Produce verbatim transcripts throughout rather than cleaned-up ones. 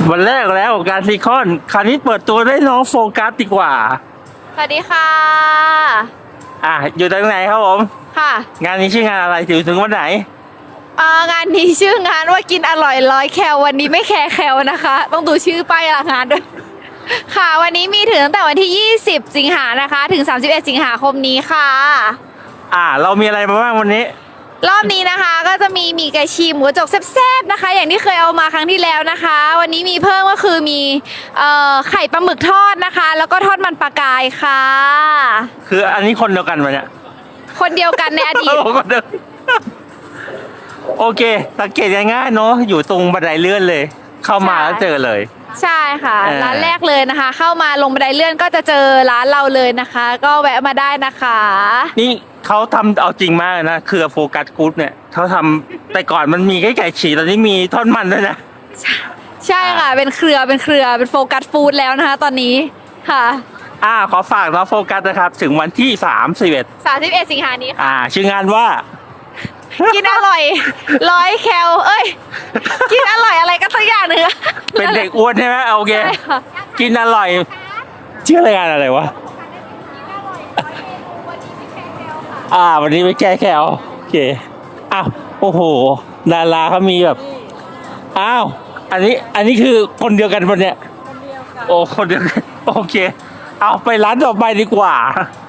วันแรกแล้วการซีคอนคราวนี้เปิดตัวได้น้องโฟกัสดีกว่าสวัสดีค่ะอ่ะอยู่ตรงไหนครับผมค่ะงานนี้ชื่องานอะไรถึงถึงวันไหนอ่างานนี้ชื่องานว่ากินอร่อยร้อยแคลวันนี้ไม่แคร์แคลนะคะต้องดูชื่อป้ายงานด้วยค่ะวันนี้มีถึงตั้งแต่วันที่ยี่สิบสิงหานะคะถึงสามสิบเอ็ดสิงหาคมนี้ค่ะอ่าเรามีอะไรมาบ้างวันนี้รอบนี้นะคะก็จะมีหมี่ไก่ฉีกหมูกระจกแซ่บๆนะคะอย่างที่เคยเอามาครั้งที่แล้วนะคะวันนี้มีเพิ่มก็คือมีเอ่อไข่ปลาหมึกทอดนะคะแล้วก็ทอดมันปลากายค่ะคืออันนี้คนเดียวกันวะเนี่ยคนเดียวกันในอดีตโอเคสังเกตง่ายๆเนาะอยู่ตรงบันไดเลื่อนเลยเข้ามาแล้วเจอเลยใช่ค่ะร้านแรกเลยนะคะเข้ามาลงบันไดเลื่อนก็จะเจอร้านเราเลยนะคะก็แวะมาได้นะคะนี่เขาทำเอาจริงมากนะคือโฟกัสกู๊ดเนี่ยเขาทำแต่ก่อนมันมีแค่ไก่ฉีกตอนนี้มีทอดมันด้วยนะใช่ค่ะเป็นเครือเป็นเครือเป็นโฟกัสฟู้ดแล้วนะคะตอนนี้ค่ะอ่าขอฝากนะโฟกัสนะครับถึงวันที่สามสิบเอ็ดสามสิบเอ็ดสิงหานี้ค่ะอ่าชื่องานว่ากินอร่อยร้อยแคลเอ้ยกินอร่อยอะไรก็สักอย่างหนึ่งเป็นเด็กอ้วนใช่ไหมโอเคกินอร่อยชื่อรายการอะไรวะอ่าวันนี้ไม่แก้แคลโอเคอ้าวโอ้โหดาราเขามีแบบอ้าวอันนี้อันนี้คือคนเดียวกันปะเนี่ยโอ้คนเดียวกันโอเคเอาไปร้านต่อไปดีกว่า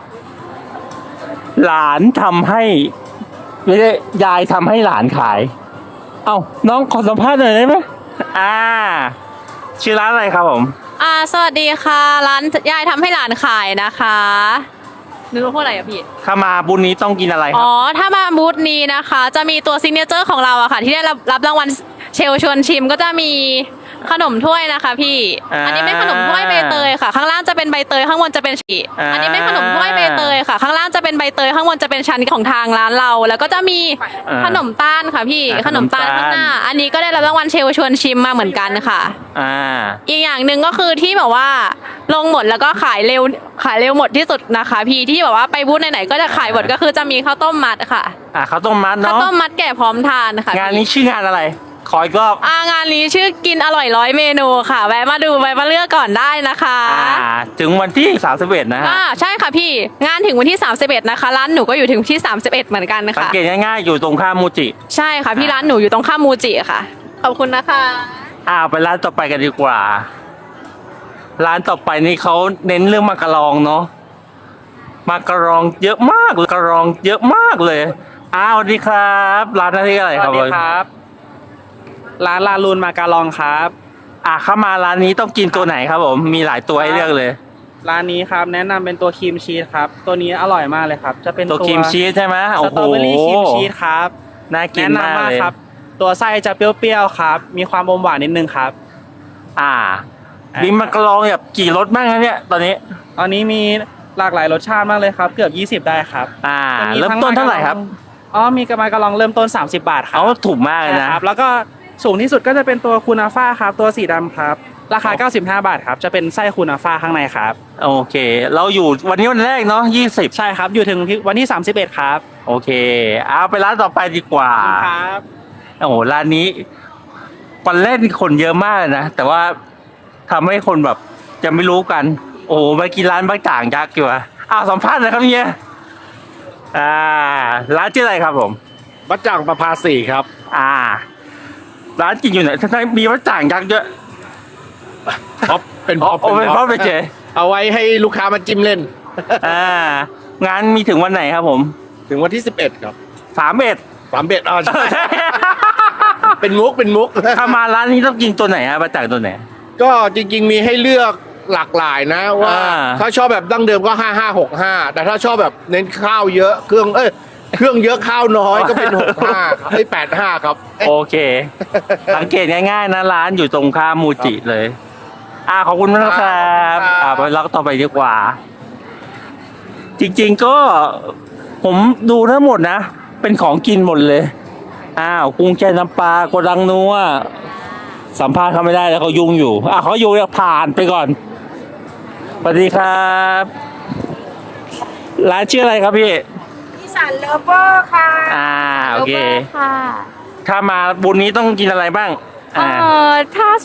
หลานทำให้ไม่ได้ยายทำให้หลานขายเอ้าน้องขอสัมภาษณ์หน่อยได้ไหมอ่าชื่อร้านอะไรครับผมอ่าสวัสดีค่ะร้านยายทำให้หลานขายนะคะนึกว่าอะไรอะพี่ถ้ามาบูธนี้ต้องกินอะไรครับอ๋อถ้ามาบูธนี้นะคะจะมีตัวซิกเนเจอร์ของเราอะค่ะที่ได้รับรับรางวัลเชลชวนชิมก็จะมีขนมถ้วยนะคะพี่อันนี้ไม่ขนมถ้วยใบเตยค่ะข้างล่างจะเป็นใบเตยข้างบนจะเป็นชีอันนี้ไม่ขนมถ้วยใบเตยค่ะข้างล่างจะเป็นใบเตยข้างบนจะเป็นชั้นของทางร้านเราแล้วก็จะมีขนมต้านค่ะพี่ขนมต้านข้างหน้าอันนี้ก็ได้รับรางวัลเชลชวนชิมมาเหมือนกันค่ะอ่าอีกอย่างหนึ่งก็คือที่แบบว่าลงหมดแล้วก็ขายเร็วขายเร็วหมดที่สุดนะคะพี่ที่แบบว่าไปบูธไหนๆก็จะขายหมดก็คือจะมีข้าวต้มมัดค่ะอ่าข้าวต้มมัดเนาะข้าวต้มมัดแก่พร้อมทานค่ะงานนี้ชื่องานอะไรขออีกรอบอ่างานนี้ชื่อกินอร่อยร้อยเมนูค่ะแวะมาดูแวะมาเลือกก่อนได้นะคะอ่าถึงวันที่สามสิบเอ็ดนะฮะอ่าใช่ค่ะพี่งานถึงวันที่สามสิบเอ็ดนะคะร้านหนูก็อยู่ถึงที่สามสิบเอ็ดเหมือนกันนะคะสังเกตง่ายๆอยู่ตรงข้ามมูจิใช่ค่ะพี่ร้านหนูอยู่ตรงข้ามมูจิค่ะขอบคุณนะคะอ่าไปร้านต่อไปกันดีกว่าร้านต่อไปนี่เขาเน้นเรื่องมักกะรองเนาะมักกะรองเยอะมากเลยกะรองเยอะมากเลยอ้าวสวัสดีครับร้านอะไรอะไรครับสวัสดีครับร้านลาลูนมาการองครับอ่ะเข้ามาร้านนี้ต้องกินตัวไหนครับผมมีหลายตัวให้เลือกเลยร้านนี้ครับแนะนำเป็นตัวครีมชีสครับตัวนี้อร่อยมากเลยครับจะเป็นตัวครีมชีสใช่ไหมสตรอเบอรี่ครีมชีสครับน่ากินมากเลยครับตัวไส้จะเปรี้ยวๆครับมีความอมหวานนิดนึงครับอ่ามีมักกะรองแบบกี่รสบ้างครับเนี่ยตอนนี้ตอนนี้มีหลากหลายรสชาติมากเลยครับเกือบยี่สิบได้ครับอ่าเริ่มต้นเท่าไหร่ครับอ๋อมีกระมังกะรองเริ่มต้นสามสิบบาทครับอ๋อถูกมากเลยนะครับแล้วก็สูงที่สุดก็จะเป็นตัวคูนาฟ่าครับตัวสีดำครับราคาเก้าสิบห้าบาทครับจะเป็นไส้คูนาฟ่าข้างในครับโอเคเราอยู่วันนี้วันแรกเนาะยี่สิบใช่ครับอยู่ถึงวันที่สามสิบเอ็ดครับโอเคเอาไปร้านต่อไปดีกว่าครับโอ้โหร้านนี้วันแรกนี่คนเยอะมากนะแต่ว่าทำให้คนแบบจะไม่รู้กันโอ้โหมากินร้านบ้าจ่างยักษ์อยู่อ่ะอ้าวสัมภาษณ์เลยครับเฮียอ่าร้านชื่ออะไรครับผมบ้าจ่างประภาสีครับอ่าร้านกินอยู่ไหนท่านมีบ้าจ่างยักษ์เยอะพ็อปเป็นพ็อปเป็นพ็อปไปเจเอาไว้ให้ลูกค้ามาจิ้มเล่นอ่างานมีถึงวันไหนครับผมถึงวันที่สิบเอ็ดครับสามเอ็ดสามเอ็ดอ๋อใช่เป็นมุกเป็นมุกถ้ามาร้านนี้ต้องกินตัวไหนฮะบ้าจ่างตัวไหนก็จริงๆมีให้เลือกหลากหลายนะว่าถ้าชอบแบบดั้งเดิมก็ห้าห้าหกห้าแต่ถ้าชอบแบบเน้นข้าวเยอะเครื่องเอ้ยเครื่องเยอะข้าวน้อยก็เป็นหกห้าไอ้แปดห้าครับโอเคสังเกตง่ายๆนะร้านอยู่ตรงข้ามมูจิเลยอ่าขอบคุณมากครับอ่าไปล็อกต่อไปดีกว่าจริงๆก็ผมดูทั้งหมดนะเป็นของกินหมดเลยอ้าวกุ้งแช่น้ำปลาโกดังนัวสัมภาษณ์เขาไม่ได้แล้วเขายุ่งอยู่อ่ะเขายุ่งผ่านไปก่อนสวัสดีครับร้านชื่ออะไรครับพี่อีสานเลฟเวอร์ค่ะอ่าโอเคถ้ามาบุญนี้ต้องกินอะไรบ้างเออถ้าสมมติว่า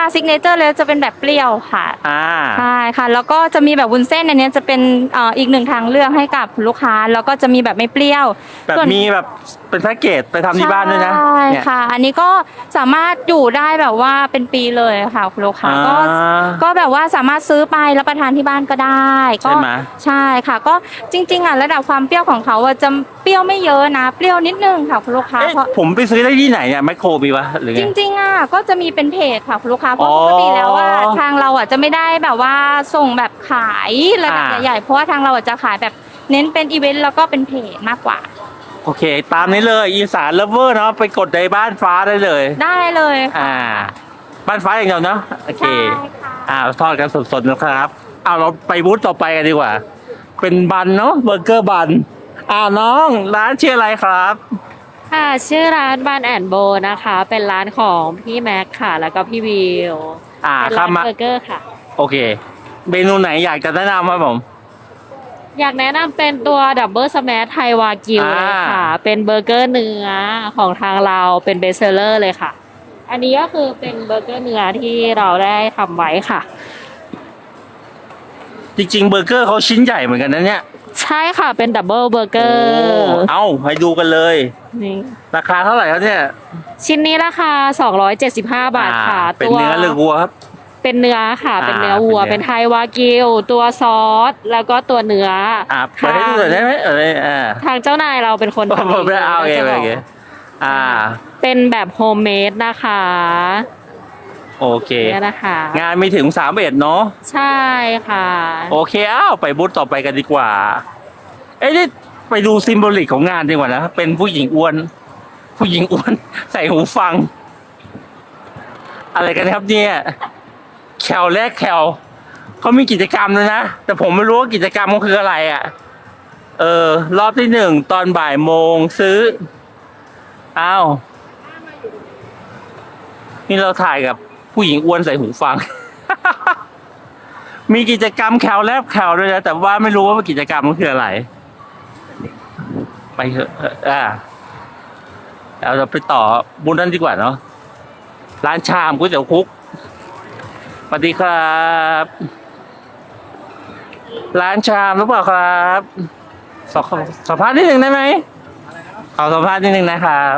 ซิกเนเจอร์เลยจะเป็นแบบเปรี้ยวค่ะอ่าใช่ค่ะแล้วก็จะมีแบบวุ้นเส้นอันเนี้ยจะเป็นเอ่ออีกหนึ่งทางเลือกให้กับลูกค้าแล้วก็จะมีแบบไม่เปรี้ยวแบบส่วนมีแบบเป็นแพ็กเกจไปทำที่บ้านด้วยนะใช่เนี่ยค่ะ อันนี้ก็สามารถอยู่ได้แบบว่าเป็นปีเลยค่ะคุณลูกค้าอ่าก็ก็แบบว่าสามารถซื้อไปรับประทานที่บ้านก็ได้ก็ใช่ไหมใช่ค่ะ ก็จริงๆอ่ะระดับความเปรี้ยวของเขาอะจะเปรี้ยวไม่เยอะนะ เปรี้ยวนิดนึงค่ะคุณลูกค้าเอ๊ะเพราะผมไปซื้อได้ที่ไหนเนี่ยแมคโครมีปะหรือไงจริงๆอ่ะก็จะมีเป็นเพจค่ะคุณลูกค้าเพราะอ๋อปกติแล้วว่าทางเราอ่ะจะไม่ได้แบบว่าส่งแบบขายระดับอ่าใหญ่ๆเพราะว่าทางเราอ่ะจะขายแบบเน้นเป็นอีเวนต์แล้วก็เป็นเพจมากกว่าโอเค ตามนี้เลยอีสานเลฟเวอร์เนาะไปกดในบ้านฟ้าได้เลยได้เลยค่ะอ่า บ้านฟ้าอย่างเดียวเนาะโอเคใช่ค่ะอ่าทอดกันสดๆนะครับเอาเราไปบูธต่อไปกันดีกว่า เป็นบันเนาะเบอร์เกอร์บันอ่าน้องร้านชื่ออะไรครับค่ะชื่อร้านบานแอนโบนะคะ เป็นร้านของพี่แม็กค่ะ แล้วก็พี่วิวอ่าเป็นข้าร้าม นมาเบอร์เกอร์ค่ะโอเค เมนูไหนอยากจะแนะนำครับผมอยากแนะนำเป็นตัวดับเบิลสแมชไทยวากิวอ่าเลยค่ะ เป็นเบอร์เกอร์เนื้อของทางเราเป็นเบสเซอร์เลยค่ะ อันนี้ก็คือเป็นเบอร์เกอร์เนื้อที่เราได้ทำไว้ค่ะจริงๆเบอร์เกอร์เขาชิ้นใหญ่เหมือนกันนะเนี่ยใช่ค่ะเป็นดับเบิลเบอร์เกอโอ้ร์เอาให้ดูกันเลยนี่ราคาเท่าไหร่ครับเนี่ยชิ้นนี้ราคาสองร้อยเจ็ดสิบห้าบาทค่ะอ่าเป็นเนื้อหรือวัวครับเป็นเนื้อค่ะอ่าเป็นเนื้อวัวเป็นเนื้อเป็นไทยวากิว ตัวซอส แล้วก็ตัวเนื้ออ่าเปิดให้ดูหน่อยได้ไหมเอออ่าทางเจ้านายเราเป็นคนผมทำไม่เอาเองจะบโอก เคอ่าเป็นแบบโฮมเมดนะคะโอเคเนี่ยนะคะงานมีถึงสามเอ็ดเนาะใช่ค่ะโอเคอ้าวไปบูธต่อไปกันดีกว่า เอ้ยนี่ไปดูซิมโบลิกของงานดีกว่านะ เป็นผู้หญิงอ้วน ผู้หญิงอ้วน ใส่หูฟัง อะไรกันครับเนี่ย แคลแรกแคลเขามีกิจกรรมเลยนะ แต่ผมไม่รู้ว่ากิจกรรมมันคืออะไรอ่ะ เออ รอบที่หนึ่งตอนบ่ายโมงซื้อ อ้าว นี่เราถ่ายกับผู้หญิงอ้วนใส่หูฟัง มีกิจกรรมแคลแลบแคลด้วยนะแต่ว่าไม่รู้ว่ากิจกรรมมันคืออะไร ไปเถอะอ่าเราจะไปต่อบุญนั้นดีกว่าเนาะร้านชามก๋วยเตี๋ยวคุกสวัสดีครับ ร้านชามหรือเปล่าครับสอบสัมภาษณ์นิดหนึ่งได้ไหมขอสัมภาษณ์นิดหนึ่งนะครับ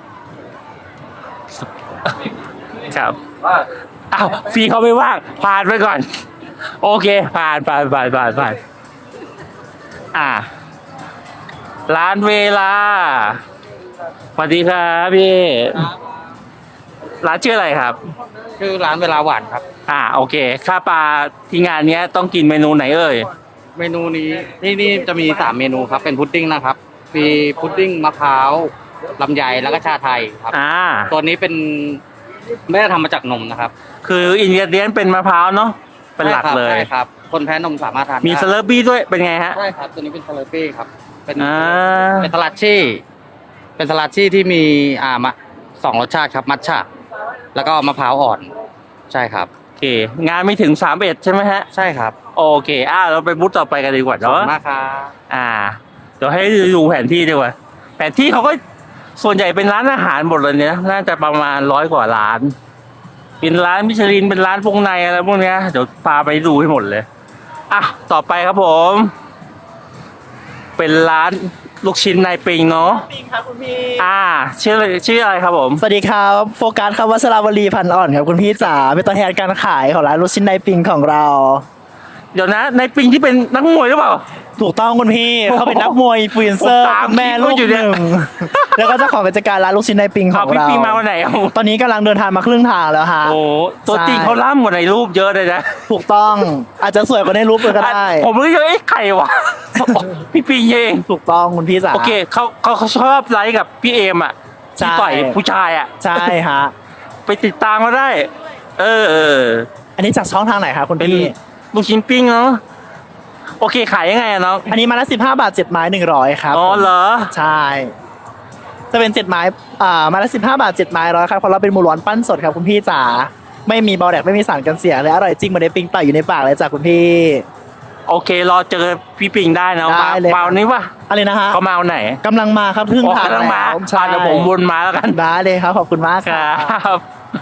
ครับอ้าวฟรีเขาไม่ว่างผ่านไปก่อน โอเค ผ่านผ่านผ่านผ่านผ่านอ่า ร้านเวลาสวัสดีครับพี่ร้านชื่ออะไรครับชื่อร้านเวลาหวานครับอ่าโอเคข้าปลาที่งานเนี้ยต้องกินเมนูไหนเอ่ยเมนูนี้นี่นี่จะมีสามเมนูครับเป็นพุดดิ้งนะครับมีพุดดิ้งมะพร้าวลำไยแล้วก็ชาไทยครับอ่าตัวนี้เป็นไม่ได้ทำมาจากนมนะครับคืออินกิเดียนเป็นมะพร้าวเนาะเป็นหลักเลยใช่ครับคนแพ้นมสามารถทานมีได้สเลอร์บี้ด้วยเป็นไงฮะใช่ครับตัวนี้เป็นสลัดปี้ครับเป็นอ่าเป็นสลัดชี่เป็นสลัดชี่ที่มีอ่ามะสองรสชาติครับมัทฉะแล้วก็มะพร้าวอ่อนใช่ครับโอเค งานไม่ถึงสามเอ็ดใช่ไหมฮะใช่ครับโอเคอ่าเราไปบูธต่อไปกันดีกว่าขอบเนาะคุณมากครับอ่าเดี๋ยวให้ดูแผนที่ดีกว่าแผนที่เขาก็ส่วนใหญ่เป็นร้านอาหารหมดเลยเนี่ยน่าจะประมาณร้อยกว่าร้าน เป็นร้านมิชลินเป็นร้านพวกในอะไรพวกเนี้ยเดี๋ยวพาไปดูให้หมดเลยอ่ะต่อไปครับผม เป็นร้านลูกชิ้นนายปิงเนาะปิงครับคุณพี่อ่าชื่ออะไรชื่ออะไรครับผมสวัสดีครับโฟกัสครับวัชราวลีพันธ์อ่อนครับคุณพี่จ๋าเป็นตัวแทนการขายของร้านลูกชิ้นในปิงของเราเดี๋ยวนะนายปิงที่เป็นนักมวยหรือเปล่าถูกต้องคุณพี่เขาเป็นนักมวยฟรีนเซอร์ผมตามแม่ลูกคลิปเขาอยู่หเนี่ยนึ่งแล้วก็เจ้าของกิจการร้านลูกชิ้นในปิงขเอาองพี่เราปิงมาวันไหนเอาตอนนี้กำลังเดินทางมาครึ่งทางแล้วฮะโอ้ตัวจริงเขาล่ำกว่าในรูปเยอะเลยนะถูกต้องอาจจะสวยกว่าในรูปเลยก็ได้ผมรู้เลยเอ๊ะใครวะ พี่ปิงเองถูกต้องคุณพี่จ๋าโอเคเขาเขาเขาชอบไลค์กับพี่เอมอ่ะใช่ที่ต่อยผู้ชายอ่ะใช่ฮะไปติดตามมาได้ เออเอออันนี้จากช่องทางไหนครับคุณเป็นพี่ลูกชิ้นปิ้งเนาะโอเคขายยังไงอะน้องอันนี้มาละสิบห้าบาทเจ็ดไม้หนึ่งร้อยครับอ๋อเหรอใช่ จะเป็นเจ็ดไม้อ่าไมาละสิบห้าบาทเจ็ดไม้ร้อยครับเพราะเราเป็นหมูร้อนปั้นสดครับคุณพี่จ๋าไม่มีเบาแดกไม่มีสารกันเสียเลยอร่อยจริงเหมือนได้ปิ้งต่อยอยู่ในปากเลยจ้ะคุณพี่โอเครอเจอพี่ปิงได้นะได้เลยเมานี้วะอะไรนะฮะเขามาวันไหนกำลังมาครับครึ่งอ๋อทางกำลังมาแล้วใช่อ่ะเดี๋ยวผมวนมาแล้วกันได้เลยครับขอบคุณมากคครัรับบ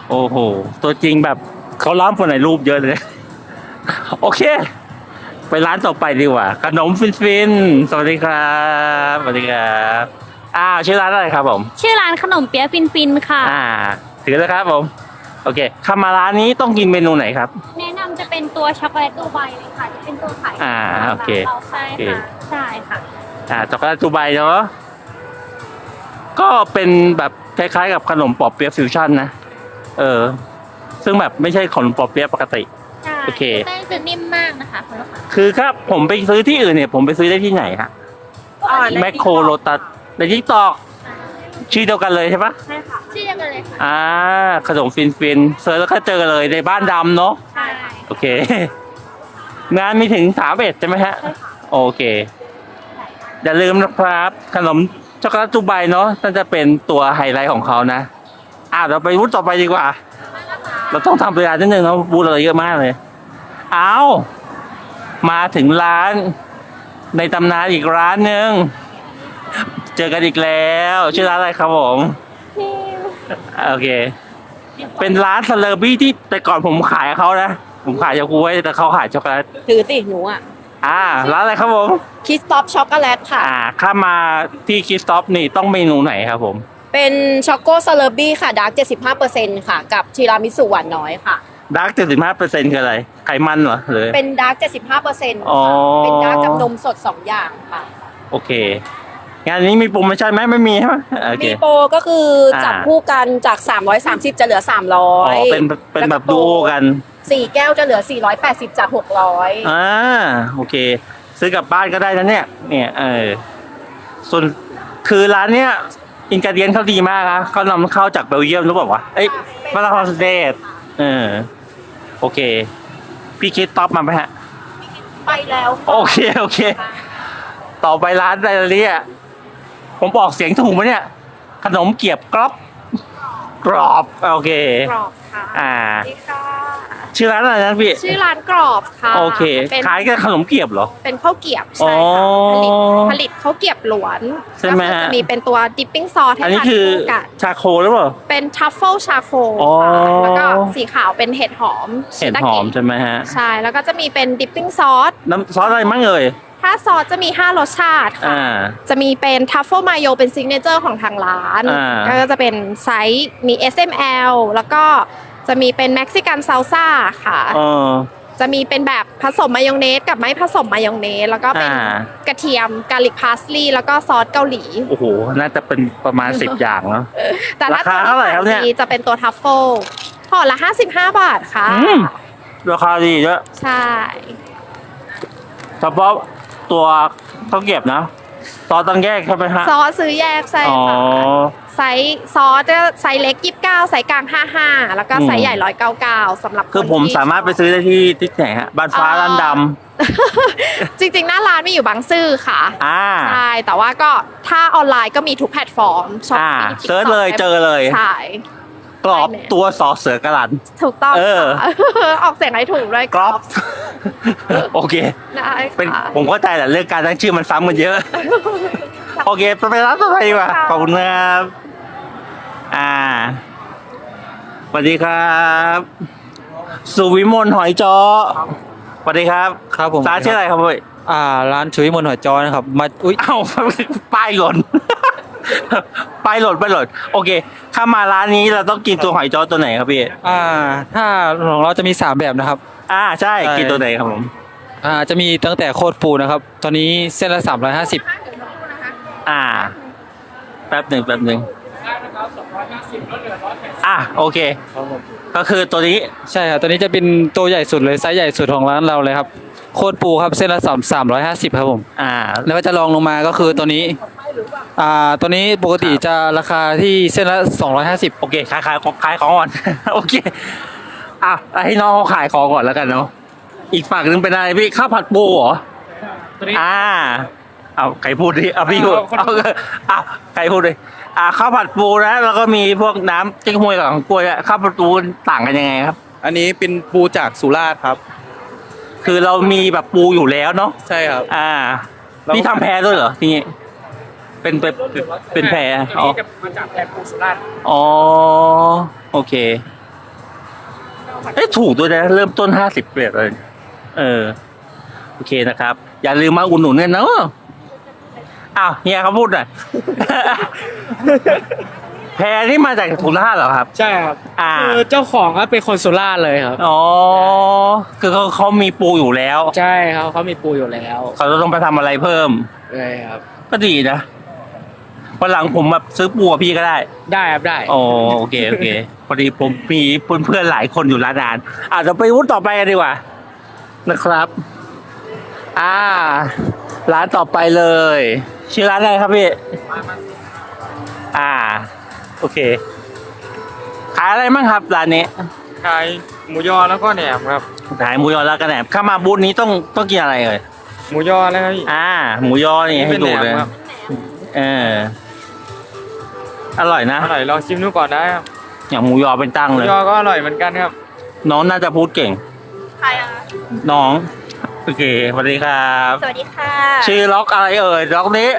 โอ้โห ตัวจริงแบบเขาล้อมคนไหนรูปเยอะเลย โอเค ไปร้านต่อไปดีกว่า ขนมฟินฟินสวัสดีครับสวัสดีครับอ้าวชื่อร้านอะไรครับผมชื่อร้านขนมเปี๊ยะฟินฟินค่ะอ่าถือแล้วครับผม โอเคเข้ามาร้านนี้ต้องกินเมนูไหนครับแนะนำจะเป็นตัวช็อกโกแลตดูไบเลยค่ะจะเป็นตัวขายอ่าโอเคเราใช่ค่ะใช่ค่ะอ่าช็อกโกแลตดูไบเนาะก็เป็นแบบคล้ายๆกับขนมปอบเปี๊ยะฟิวชั่นนะเออ ซึ่งแบบไม่ใช่ขนมปอบเปี๊ยะปกติใช่โอเคแป้งจะนิ่มมากนะคะคุณลูกค้าคือครับผมไปซื้อที่อื่นเนี่ย ผมไปซื้อได้ที่ไหนฮะแมคโครโลตัสในทิกตอกชื่อเดียวกันเลยใช่ปะใช่ค่ะชื่อเดียวกันเลยค่ะอ่าขนมฟินฟินเซิร์ชแล้วก็เจอเลยในบ้านดำเนาะใช่โอเค งานมีถึงสามเอ็ดใช่ไหมฮะ โอเค อย่าลืมนะครับ ขนมช็อกโกแลตดูไบเนาะน่าจะเป็นตัวไฮไลท์ของเขานะ อ่ะเราไปบูธต่อไปดีกว่า เราต้องทำเวลานิดนึงนะบูธเราเยอะมากเลย เอามาถึงร้าน ในตำนานอีกร้านหนึ่งเจอกันอีกแล้วชื่อร้านอะไรครับผมโอเค เป็นร้านซาเลอร์บี้ที่แต่ก่อนผมขายเขานะ ผมขายยาคูไว้แต่เขาขายช็อกโกแลตถือสิหนูอ่ะอ่าร้านอะไรครับผมคิสต็อปช็อกโกแลตค่ะอ่าข้ามาที่คิสต็อปนี่ต้องเมนูไหนครับผมเป็นช็อกโกซาเลอร์บี้ค่ะดาร์กเจ็ดสิบห้าเปอร์เซ็นต์ค่ะ กับทีรามิสุหวานน้อยค่ะดาร์กเจ็ดสิบห้าเปอร์เซ็นต์คืออะไร ไขมันเหรอหรือเป็นดาร์กเจ็ดสิบห้าเปอร์เซ็นต์อ๋อเป็นดาร์กกับนมสดสองอย่างค่ะโอเค งานนี้มีโปรโมชั่นไหมไม่มีใช่ไหมโอเคมีโปรก็คือจับคู่กันจาก สามร้อยสามสิบ จะเหลือ 300 อ๋อเป็นเป็นแบบดูโอกันสี่แก้วจะเหลือ สี่ร้อยแปดสิบ จาก หกร้อยอ่าโอเค ซื้อกลับบ้านก็ได้นะเนี่ย เนี่ยเออส่วนคือร้านเนี้ยอินกาเดียนเขาดีมากนะเขานำเข้าจากเบลเยียมหรือเปล่าวะเอ้ยมาลาคอนสเตทเออโอเค พี่คิดท็อปมาไหมฮะไปแล้วโอเค โอเค ต่อไปร้านอะไรเนี่ยผมบอกเสียงถูกไหมเนี่ย ขนมเกี๊ยบกรอบกรอบ โอเคกรอบค่ะอ่าสวัสดีค่ะชื่อร้านอะไรนะพี่ชื่อร้านกรอบค่ะโอเคเป็นขายกับขนมเกี๊ยบเหรอเป็นข้าวเกรียบอ๋ใช่อค่ะผลิตผลิตข้าวเกรียบหลวนใช่ไหมฮะก็คือจะมีเป็นตัวดิปปิ้งซอสให้อันนี้ทานคือคู่กับชาโคหรือเปล่าเป็นทัฟเฟิลชาโคอ๋อค่ะแล้วก็สีขาวเป็นเห็ดหอมเห็ดหอมใช่ไหมฮะใช่ แล้วก็จะมีเป็นดิปปิ้งซอสน้ำซอสอะไรมั่งเอ่ยถ้าซอสจะมีห้ารสชาติค่ะอ่าจะมีเป็นทัฟเฟิลมายโยเป็นซิกเนเจอร์ของทางร้านอ่าก็จะเป็นไซส์มี เอส เอ็ม แอล แล้วก็จะมีเป็นเม็กซิกันซาลซ่าค่ะเออจะมีเป็นแบบผสมมายองเนสกับไม่ผสมมายองเนส แล้วก็เป็นอ่ากระเทียมกาลิกพาสลีย์แล้วก็ซอสเกาหลีโอ้โห น่าจะเป็นประมาณสิบอย่างเนาะแต่ถ้าราคาเท่าไหร่ครับเนี่ยตัวที่ขายดีจะเป็นตัวทัฟเฟิลห่อละห้าสิบห้าบาทค่ะอืม ราคาดีเยอะใช่เฉพาะตัวข้าวเก็บนะซอสต้องแยกใช่ไหมฮะซอสซื้อแยกใช่อ๋อค่ะไซส์ซอสจะไซส์เล็กยี่สิบเก้าไซส์กลางห้าห้าแล้วก็ไซส์ใหญ่ร้อยเก้าเก้าสำหรับคือคนผมที่สามารถไปซื้อได้ที่ที่ไหนฮะบ้านฟ้าร้านดจริงๆ หน้าร้านมีอยู่บางซื่อค่ะำอ่าใช่ แต่ว่าก็ถ้าออนไลน์ก็มีทุกแพลตฟอร์มช้อปอ่าปี้เซิร์ชเลยเจอเลยใช่กรอบตัวสอเสือกระลันถูกต้องเออค่ะ ออกเสียงให้ถูกด้วยกรอบ โอเคได้เป็นค่ะผมเข้าใจแหละเรื่องการตั้งชื่อมันซ้ำกันเยอะ โอเคไปร้านต่อไปดีกว่าขอบคุณครับอ่าสวัสดีครับ สุวิมลหอยจอสวัสดีครับครับผมร้านชื่ออะไรครับเว้ยอ่าร้านชุยมนหัวจอนะครับมาอุ้ยเอ้า ป้ายหล่น ป้ายหล่นป้ายหล่นโอเคถ้ามาร้านนี้เราต้องกินตัวหอยจอตัวไหนครับพี่อ่าถ้าของเราจะมีสามแบบนะครับอ่าใช่ใช่กินตัวไหนครับผมอ่าจะมีตั้งแต่โคตรปูนะครับ ตอนนี้เส้นละสามร้อยห้าสิบอ่า แป๊บหนึ่งแป๊บหนึ่งอ่ะโอเค ก็คือตัวนี้ใช่ครับตัวนี้จะเป็นตัวใหญ่สุดเลยไซส์ใหญ่สุดของร้านเราเลยครับโคตรปูครับเส้นละสามสามร้อยห้าสิบครับผมอ่าแล้วก็จะลองลงมาก็คือตัวนี้อ่าตัวนี้ปกติจะราคาที่เส้นละสองร้อยห้าสิบโอเคขายขายขายของก่อน โอเคอ่ะให้น้องเขาขายของก่อนแล้วกันเนาะอีกฝั่งหนึงเป็นอะไรพี่ข้าวผัดปูเหรออ่าเอาใครพูดดิเอาพี่พูดเอาเอาใครพูดดิอ่าข้าวผัดปูนะแล้วก็มีพวกน้ำจิ้งหวยกับของกล้วยอะข้าวผัดปูต่างกันยังไงครับอันนี้เป็นปูจากสุราษฎร์ครับคือเรามีแบบปูอยู่แล้วเนาะใช่ครับอ่าเราพี่ทำแพรด้วยเหรอที่นี่เป็นเป็นเป็นแพรอ๋อมาจากแพรปูสุราษฎร์อ๋อโอเคเอ้ยถูกด้วยนะเริ่มต้นห้าสิบเลย เออ โอเคนะครับ อย่าลืมมาอุดหนุนกันเนาะอ้าวเฮียเขาพูดหน่อย แพรนี่มาจากสุราษฎร์เหรอครับใช่ครับอ่าคือเจ้าของก็เป็นคนสุราษฎร์เลยครับอ๋อ คือเขาเขามีปูอยู่แล้วใช่ครับเขามีปูอยู่แล้วเขาจะต้องไปทำอะไรเพิ่มใช่ครับก็ดีนะวันหลังผมแบบซื้อปูกับพี่ก็ได้ได้ครับได้อ๋อโอเคโอเค พอดีผมมีเพื่อนๆหลายคนอยู่ร้านอาหารอ่ะเราไปวุ้นต่อไปกันดีกว่า นะครับ อ่า ร้านต่อไปเลย ชื่อร้านอะไรครับพี่ อ่า โอเค ขายอะไรบ้างครับร้านนี้ขายหมูยอแล้วก็แหนมครับขายหมูยอแล้วกระแหนมเข้ามาบูธนี้ต้องต้องกินอะไรเอ่ยหมูยอแล้วครับพี่อ่า หมูยอนี่ให้ดูเลยเป็นแหนมครับเอออร่อยนะอร่อยลองชิมดูก่อนได้ครับอย่างหมูยอเป็นตั้งหมูเลยยอก็อร่อยเหมือนกันครับน้องน่าจะพูดเก่งใครอะน้อง โอเคสวัสดีครับสวัสดีค่ะชื่อล็อกอะไรเอ่ยล็อกนี้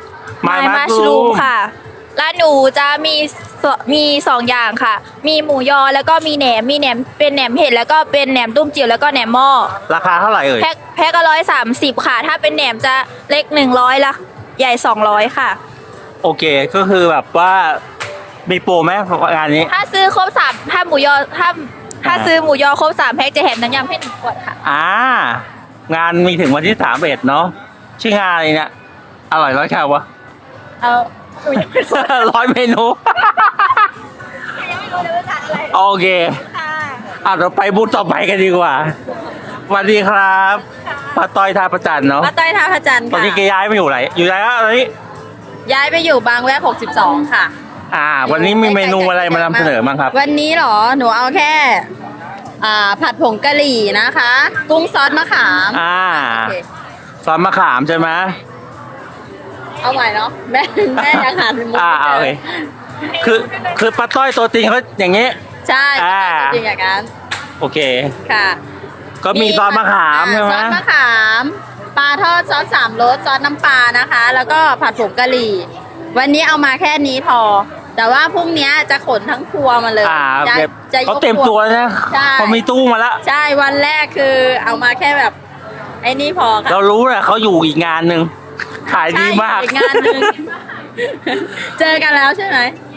My Mushroom ค่ะร้านหนูจะมีสมีสองอย่างค่ะ มีหมูยอแล้วก็มีแหนม มีแหนมเป็นแหนมเห็ดแล้วก็เป็นแหนมตุ้มจิ๋วแล้วก็แหนมหม้อราคาเท่าไหร่เอ่ยแพ็คแพ็คละร้อยสามสิบค่ะ ถ้าเป็นแหนมจะเล็กหนึ่งร้อยละใหญ่สองร้อยค่ะโอเคก็คือแบบว่ามีโปรไหมงานนี้ถ้าซื้อครบสามถ้าหมูยอถ้าถ้าซื้อหมูยอครบสามแพ็คจะแถมน้ำยำให้หนึ่งขวดค่ะอ่างานมีถึงวันที่สามเอ็ดเนาะชื่องานอะไรเนี่ยอร่อยร้อยแคลวะเอาหนูยังไม่รู้ร้อยเมนูยังไม่รู้เลยว่าทานอะไรโอเคค่ะอ่ะเราไปบูธต่อไปกันดีกว่าสวัสดีครับป้าต้อยท่าประจันเนาะป้าต้อยท่าพระจันทร์ตอนค่ะนี้แกย้ายมาอยู่ไหนอยู่ไหนอะตอนนี้ย้ายไปอยู่บางแวกหกสิบสองค่ะอ่า วันนี้มีเมนูอะไรมานำเสนอบ้างครับวันนี้เหรอ หนูเอาแค่ อ่า ผัดผงกะหรี่นะคะ กุ้งซอสมะขามอ่าโอเคซอสมะขามใช่ไหมเอาใหม่เนาะ แม่แม่ยังหามุกอ่าไม่โอเจเคอคือคือป้าต้อยตัวจริงเขาอย่างนี้ใช่อ่าจริงๆอย่างนั้นโอเคค่ะก็มีซอสมะขามใช่ไหมซอสมะขาม ปลาทอดซอสสามรสซอสน้ำปลานะคะ แล้วก็ผัดผงกะหรี่ วันนี้เอามาแค่นี้พอ แต่ว่าพรุ่งนี้จะขนทั้งครัวมาเลยอ่าจะเก็บจะยกเขาเต็มตัวนะใช่เขามีตู้มาแล้วใช่ วันแรกคือเอามาแค่แบบ ไอ้นี่พอค่ะเรารู้แหละเขาอยู่อีกงานหนึ่งขายดีมากใช่อีกงานหนึ่ง เจอกันแล้วใช่ไหม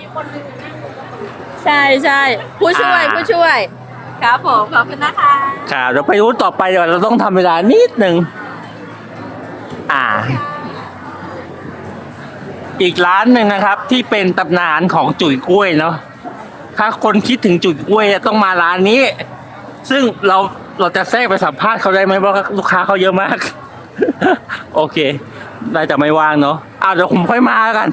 ใช่ใช่ผู้ช่วยอ่าผู้ช่วย ครับผม ขอบคุณนะคะค่ะเดี๋ยวไปรู้ต่อไปเดี๋ยวเราต้องทำเวลานิดหนึ่งอ่า อีกร้านหนึ่งนะครับ ที่เป็นตำนานของจุ๋ยกล้วยเนาะถ้าคนคิดถึงจุ๋ยกล้วยต้องมาร้านนี้ ซึ่งเราเราจะแทรกไปสัมภาษณ์เขาได้ไหมเพราะลูกค้าเขาเยอะมาก โอเคได้แต่ไม่ว่างเนาะอ่าเดี๋ยวผมค่อยมากัน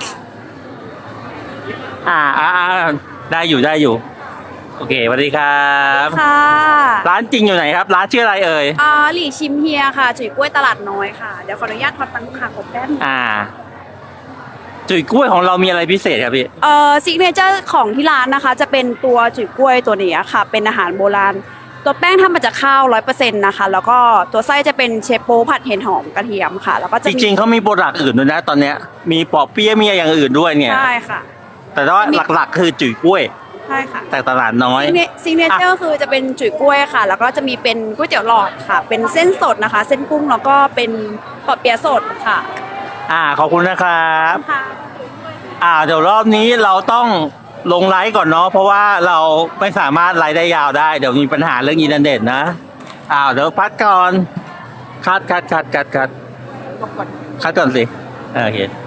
อ่าอ่าอ่าได้อยู่ได้อยู่ โอเคสวัสดีครับค่ะร้านจริงอยู่ไหนครับ ร้านชื่ออะไรเอ่ยอ่าหลี่ชิมเฮียค่ะ จุ๋ยกล้วยตลาดน้อยค่ะ เดี๋ยวขออนุญาตทอดปังค่ะกบแป๊บอ่า จุ๋ยกล้วยของเรามีอะไรพิเศษครับพี่เอ่อซิกเนเจอร์ของที่ร้านนะคะ จะเป็นตัวจุ๋ยกล้วยตัวนี้ค่ะ เป็นอาหารโบราณ ตัวแป้งทำมาจากข้าวร้อยเปอร์เซ็นต์นะคะ แล้วก็ตัวไส้จะเป็นเชฟโป้ผัดเห็ดหอมกระเทียมค่ะ แล้วก็จจะมีริงๆเขามีโปรดักต์อื่นด้วยนะ ตอนเนี้ย มีปอเปี๊ยะมีอย่างอื่นด้วยเนี่ยใช่ค่ะแต่ว่าหลักๆ คือจุ๋ยกล้วยใช่ค่ะแต่ตลาดน้อยซิกเนเจอร์คือจะเป็นจุ๋ยกล้วยค่ะ แล้วก็จะมีเป็นก๋วยเตี๋ยวหลอดค่ะ เป็นเส้นสดนะคะ เส้นกุ้งแล้วก็เป็นปอเปี๊ยะสดค่ะอ่าขอบคุณนะครับค่ะอ่าเดี๋ยวรอบนี้เราต้องลงไลฟ์ก่อนเนาะเพราะว่าเราไม่สามารถไลฟ์ได้ยาวได้เดี๋ยวมีปัญหาเรื่องอินเทอร์เน็ตนะอ่าเดี๋ยวพักก่อนคัดคัดคัดคัดคัดคัดก่อนสิโอเค